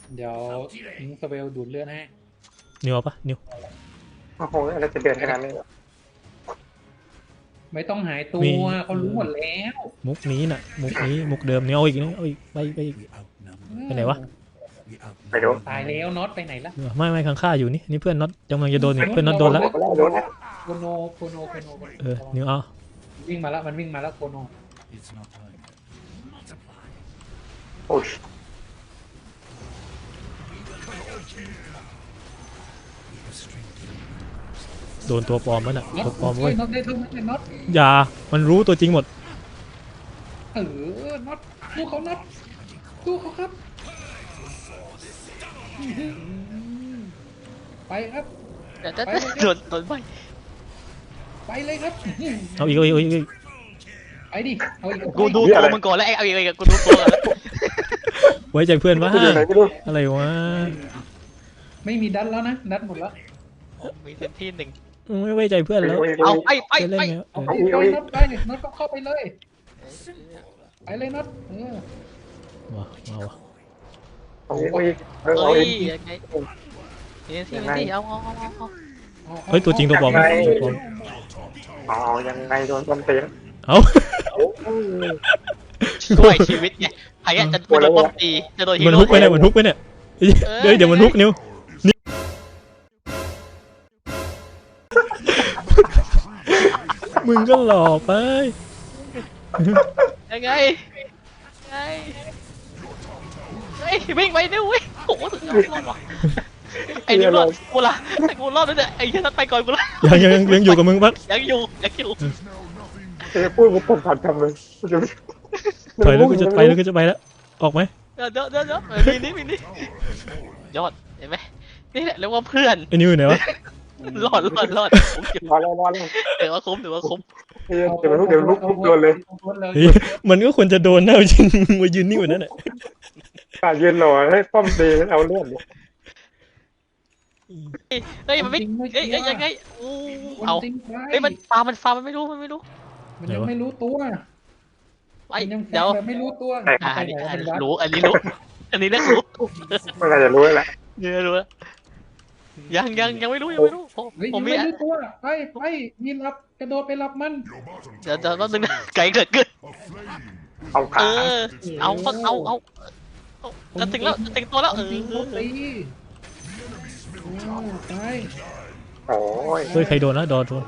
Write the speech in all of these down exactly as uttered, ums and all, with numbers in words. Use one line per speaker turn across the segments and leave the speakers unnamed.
เดี๋ยวนิงสเปลดูดเลือดให้
นิวเอาปะนิว
โอ้โหอะไรจะเดือดขนาดนี้
ไม่ต้องหายตัวเขารู้หมดแล้ว
มุกนี้น่ะมุกนี้มุกเดิมเนี่ยเอาอีกนี่เอาอีกไปไปอีกไปไหนวะ
ไปดู
ตายแล้วน็อตไปไหนละ
ไม่ไม่ข้างข้าอยู่นี่นี่เพื่อนน็อตกำลังจะโดนเพื่อนน็อตโดนแล้ว
โคโนโคโนโคโน
เออนิวเอา
วิ่งมาแล้วมันวิ่งมาแล้วโคโน
โอ้ย
โดนตัวปลอมแล้วน่ะตัวปลอมเว้ย
น็อตได้เท่านั้นน็อต
อย่ามันรู้ตัวจริงหมด
เออน็อตสู้เขาน็อตสู้เขาครับไปครับ
เดี๋ยวจะโดนโดนไป
ไปเลยครับ
เอาอีกเอาอีกเอาอีก
ไปดิเอาอีก
กูดูตัวมึงก่อนแล้วไอ้เอาอีกกูดูตัวแล้ว
ไว้ใจเพื่อนวะอะไรวะ
ไม่มีดันแล้วนะดันหมดแล้ว
มีเซนที่หนึ่ง
ไม่ไว้ใจเพื่อนแล้ว
เอาไปไปไป
เอาไปไปน็อตไปน็อตก็เข้าไปเลยไปเลยน็อตเออ
ว้าวว้าว
โอ้ยเ
ฮ้ยยังไงเซนที่เซนที่เอาเอาเอาเอา
เฮ้ยตัวจริงตัวปลอมตัวปลอม
อ๋อยังไงโดนต้มตีน
เอา
ช่วยชีวิตไงใครจะโดนต้มตีจะโดนฮีโร่
มันฮุกไปเนี่ยมันฮุกไปเนี่ยเดี๋ยวเดี๋ยวมันฮุกนิ้วมึงก็หลอกไป
ยังไงไงเฮ้ยวิ่งไปดิวิ่งโอ้โหสุดยอดรอดว่ะไอ้นี่รอดกูละกูรอดแล้วเนี่ยไอ้ยันไปก่อนกูละ
ยังยังยังอยู่กับมึงปั๊บ
ยังอยู่ยังอยู่
เอ้พูดกูตกขัดคำเลย
ถอยแล้วกูจะไปแล้วกูจะไปแล้วออกไหม
เดี๋ยวเดี๋ยวเดี๋ยวมีนี่มีนี่ยอดเห็นไหมนี่แหละเรียกว่าเพื่อน
ไอ้นิวไหนวะ
รอดรอดรอด
รอดรอดรอด
เดี๋ยวว่าคุ้มเดี๋ยวว่าคุ้ม
เดี๋ยวลุกเดี๋ยวลุกลุกโดนเลย
มันก็ควรจะโดนนะจริงมายืนนิ่งกว่านั้นแหละ
การยืนหล่อให้ป้อมตีเอาเลือด
เฮ้ยมันไม่เฮ้ยยังไงอู้เอาเฮ้ยมันฟามันฟามันไม่รู้มันไม่รู้
มันยังไม่รู้ตัว
ไอ้เดี๋ยว
ไม่รู้ตัว
อันนี้รู้อันนี้รู้อันนี้เรียกรู้
ไม่น่าจะรู้แหละ
เนี่ยรู้ยังยังยังไม่รู้ยังไม่รู้
ผมมีตัวไปไปมีรับกระโดดไปรับมัน
เดี๋ยวเดี๋ยวนึงนะไก่เกิดขึ้น
เอาขา
เออเอาเอาเอาจะถึงแล้วจะถึงตัวแล้วเออ
ตีไป
โอ้ย
เฮ้ยใครโดนนะโดนโดน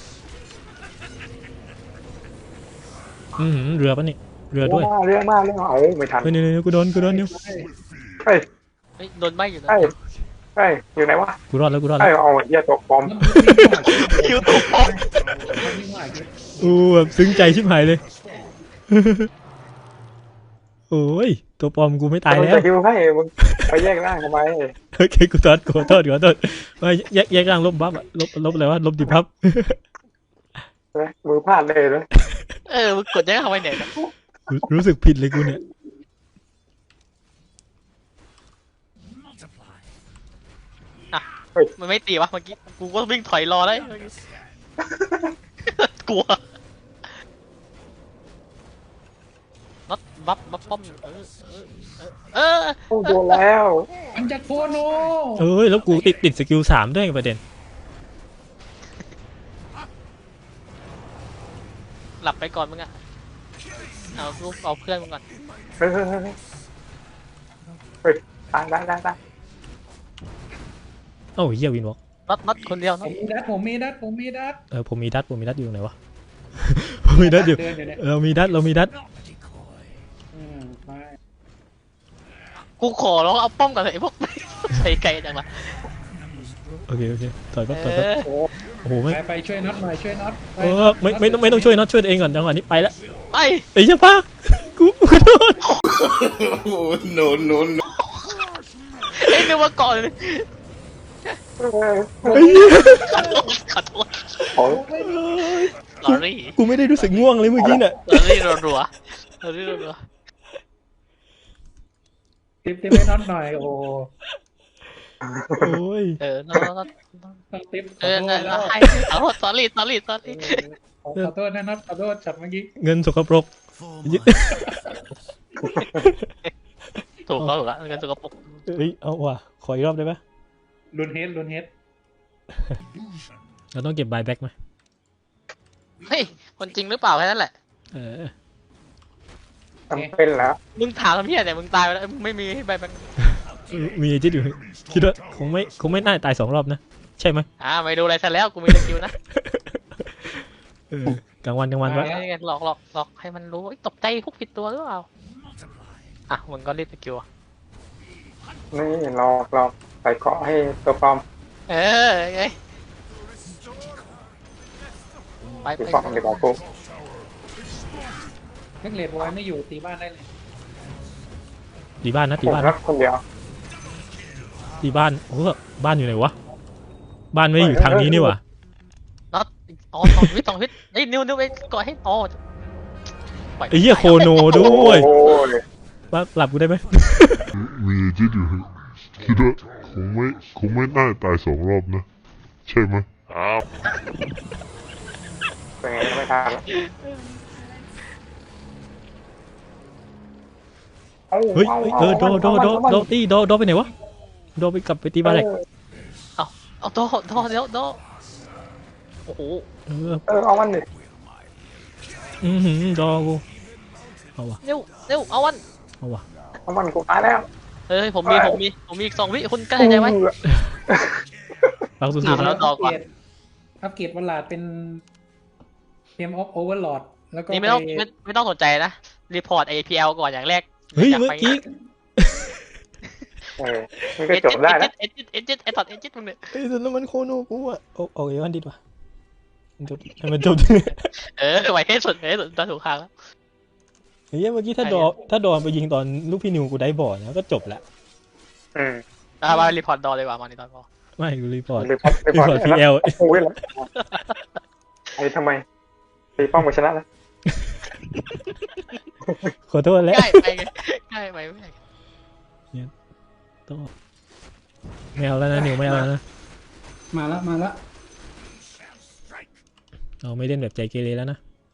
อืมเรือปะนี่เรือด้วย
เรือมากเรือเอาไม่ทัน
เฮ้ยนี่กูโดนกูโดนนิ้ว
เฮ้ย
โดนใบอยู่นะ
เฮ้ยเฮ้ยอยู่ไหนวะ
กูรอดแล้วกูรอด
แล้วเอาเหี้ยตกปอม
คิวตกปอม
อู้แบบซึ้งใจชิบหายเลยโอ้ยตัวปลอมกูไม่ตายแล้ว
คิวให้มึงไปแยกร่างทำไม
โอเคกูโทษกูโทษกูโทษไม่แยกแยกร่างลบบัฟอะลบลบอะไรวะลบดิบัฟ
มือพลาดเลยนะ
เออมึงกดแยกเข้าไปไหน
รู้สึกผิดเลยกูเนี่ย
มันไม่ตีวะเมื่อกี้กูก็วิ่งถอยรอได้กลัวน็อตบัฟบัฟป้อมเออเออ
โอ้โดนแล้ว
มันจะโคโน
เอ้ยแล้วกูติดติดสกิลสามด้วยประเด็น
หลับไปก่อนมึงอะเอาลูกเอาเพื่อนมึงก่อน
เฮ้ยเฮ้ยตายตายตายตาย
โอ้ยเยี่ยวินวอล์ก
น็อตน็อตคนเดียวน็อต
มีดัดผมมีดัดผมมีดัด
เออผมมีดัดผมมีดัดอยู่ไหนวะผมมีดัดอยู่เรามีดัดเรามีดัด
กูขอร้องเอาป้อมก่อนเลยพวกใส่ไกลจังวะ
โอเคโอเคถอยปั๊บถอยปั๊บโอ้โหไม่
ไปช่วยน็อตหน่อยช่วยน็อต
เออไม่ไม่ต้องไม่ต้องช่วยน็อตช่วยเองก่อนจังหวะนี้ไปแล้ว
ไป
ไอ้เจ้าป้ากูกูโดน
โอ้โนโนโน
เอ้ยนึกว่าก่อนเลยขัดโทษขัดโทษลอรี่
กูไม่ได้รู้สึกง่วงเลยเมื่อกี้น่ะ
ลอรี่รัวรัวลอรี่รัว
ติ๊บติ๊บให้น็อตหน่อยโอ้
โอ้ย
เออน็อตน็อต
ติ๊บ
เออเอาสอรี่สอรี่สอรี่
ขอโทษนะน็อตขอโทษจับเมื่อกี้
เงินสกปรก
ถูกเขาถูกแล้วเงินสกปรก
เอ้ยเอาว่ะขออีกรอบได้ปะ
ลุนเฮดลุนเฮด
เราต้องเก็บบายแบ็กไหม
เฮ้ยคนจริงหรือเปล่าแค่นั้นแหละ
เออ
จำเป็นแล้ว
มึงถามทำเพี้ยแต่มึงตายไปแล้วมึงไม่มีให้ใบแบงค์
มีจิตอยู่คิดว่าคงไม่คงไม่น่าตายสองรอบนะใช่ไหม
อ่าไม่ดูอะไรซะแล้วกูมีสกิลนะ
เออกลางวันกลางวันวะ
ไงหลอกหลอกหลอกให้มันรู้ตกใจพวกผิดตัวหรือเปล่าอ่ะมึงก็รีบสกิล
นี่รอรอใส่เกาะให้ตัวปลอม
เออไงไป
ตี
ไป
ปลอมดีกว่ากู
แม็กเลดบอยไม่อยู่ตีบ้านได้เลย
ตีบ้านนะตี
ผม
บ้าน
รักคนเดียว
ตีบ้านโอ้โหบ้านอยู่ไหนวะบ้านไม่ได้อยู่ทางนี้นี่หว่า
น็อตอ๋อสองวิสองวิไอ้ยนิ้วนิ้วไปก่อนให้อ๋อ
ไอ้เหี้ยโคโนด้วย
โอ้ย
ว่าหลับกูได้ไหม
มีจิตอยู่คิดว่าคงไม่คงไม่น่าตายสองรอบนะ ใช่ไหมอ้าว
เป็นไงก็ไม่ทันแล้วอา
เฮ้ยเฮ้ยเออโดโดโดโด
เอา
ตีโดโดไปไหนวะโดไปกลับไปตีบ้านแหลก
เอาเอาโดโดเดี๋ยวโดโอ้โห
เออ
เออเอามันดิ
อือหือโดกูเอาวะ
เร็วเร็วเอาวัน
เอาวะ
เอามันกูตายแล้ว
เฮ้ยผมมีผมมีผมมีอีกสองวิคุณกล้าใจไหม
รักสุ
อ่ะ
ดๆ
แล้
แล้ว ว
ต่อก่อน
อัปเกรดวันลาดเป็นเทมออฟโอเวอร์ลอดแล้วก็
นี่ไม่ต้อง
ไป
ไม่ไม่ต้องสนใจนะรีพอร์ต เอ พี แอล ก่อนอย่างแรก
เฮ้ย
ยา
เมื่อ
ไป
กี้
เออมันก็จบได้แล้ว
เอจิตเอจิตเอจิตไอตอดเอจิตมึงเนี่ย
เฮ้ยแต่นั่นมันโคโนกูอะโอ้โอ้ยวันดิดว่ะมันจบให้มันจบ
เออไว้ให้สุดไว้ให้สุดตอนถูกทางแล้ว
เฮ้ยเมื่อกี้ถ้าดอถ้าดอนไปยิงตอนลูกพี่นิวกูได้บอร์นะก็จบละ
อืม
อ่ะมารีพอร์ตดอเลยว่ะมาในตอนพอ
ไม่กูรีพอร์ต
รีพอร์ตรี
รี
พอ
พอ
ร์
ร์
ต
ตพีเอล
โอ้ยแล้วไอ้ทำไมตีป้อมกูชนะแล้ว
ขอโทษแล้ว
ง่ายไปไงง่ายไปไม่ได้
ต้องไม่เอาแล้วนะนิวไม่เอาแล้วนะ
มาแล้วมาแล้ว
เราไม่เล่นแบบใจเกเรแล้วนะ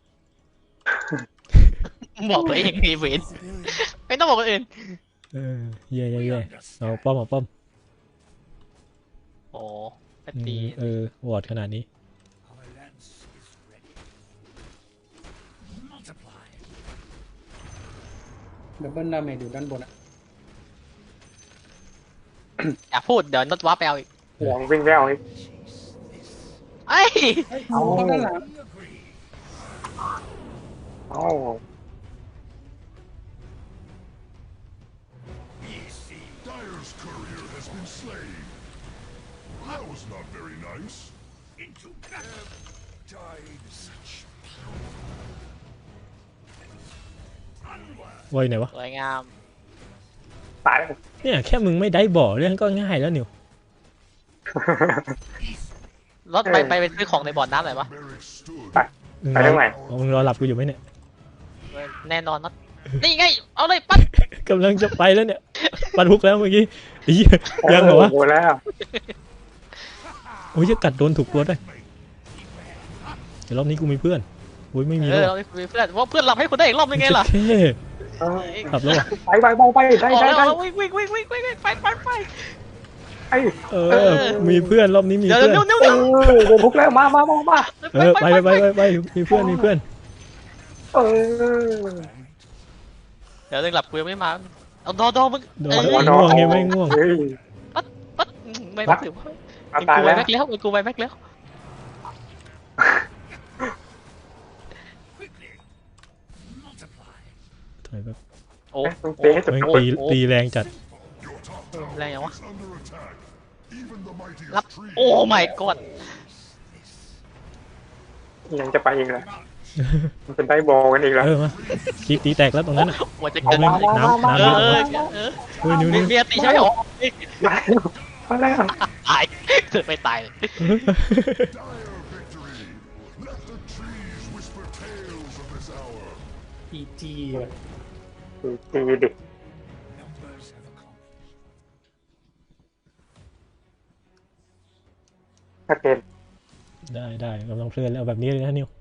บอกตัวเองมีเวนไม่ต้องบอกคนอื่น
เออเย่เย่เย่เอาป้อมเอาป้อม
โอ้ไป
อื
ตี
มเออวอร์ดขนาดนี้
ดับเบิลดาเมจอยู่ด้านบนอะ
อย่าพูดเดี๋ยวน็อตว้าไปเอาอีก
ห่วงวิ่งแล้วอีก
ไอ้ย
เอาเข้าด้านหลัง
เอ้า
Dyer's courier has been slain. That was not very nice. Into battle. Died such
ไว้ไหนวะ
สวยงาม
ตายแล้ว
เนี่ยแค่มึงไม่ได้บอร์เรื่องก็ง่ายแล้วนิว
รถไปไปไปซื้อของในบ่อน้ำหน่อยปะ
barrack stood.
มึง
ไป
รอ
ทางไหน
เอามึงรอหลับกูอยู่ไหมเนี่ย
แน่นอนน็อตนี่ไงเอาเลยปั๊บ
กำลังจะไปแล้วเนี่ยปันฮุกแล้วเมื่อกี้ไอ้เหี้ยยังเหรอวะ
โอ้ยแล้ว
โอ้ยจะกัดโดนถูกตัวได้วยเดี๋ยวรอบนี้กูมีเพื่อนโอ้ยไม่มี
เอ
แล้
อ
ว
เราคุยเพื่อนว่าเพื่อนรับให้คุณได้อีกรอบนึงไงล่ะ
เท่
เออ
ขับแล้ววะ
ไปไปไปไปได้
ออก
ได้
แล้ว
ได้
วิ่งวิ่งวิ่งวิ่งวิ่งไปไปไป
ไอ้
เออ มีเพื่อนรอบนี้มี
เดี๋ยว
เพื่อน
เร็วเร็ว
เอ
เร็ว
อโดนทุกแล้วมามามามา
เออไปไปไปไปไปมีเพื่อนมีเพื่อน
เออ
เดี๋ยวเรื่องหลับกูยังไม่มาเอาดอดอมึง
โด
เอน อ
ง่วงไงไม่ง่วง
เฮ้ย
ปั๊ดปั๊ดไม่ปั๊ดถือว่า
เอา
กู
ตาย
ไป
แล้ว
แบ็คแล้วกูไปแบ็คแล้ว
ถอยแบบ
โอ้
ต้องตีให้จบ
แม่ง
โอ้
ตี
ย
ตีแรงจัด
Your top tower
แรงยังวะ
is under attack. Even the mightiest
รับ
trees
โอ้ my god
ยังจะไปอีกเหรอมันเป็นได้บอลกันอีกแล้ว
เออมาคลิปตีแตกแล้วตรงนั้นอ่ะ
หัวจะ
เอา
เกิน
แม่งน้ำน้ำ
เอ
เย
อ
อะ
เออเออ
เฮ้ยนิ้ว
มี
นิ้ว
เมียตีใช่ไหมหรอ
มาแล้ว
ตายไม่ตายเลย
dire victory. Let the trees whisper tales of this hour.
อีจี
ตีดิถ้าเกม
ได้ได้กำลังเพลินแล้วแบบนี้เลยนะนิว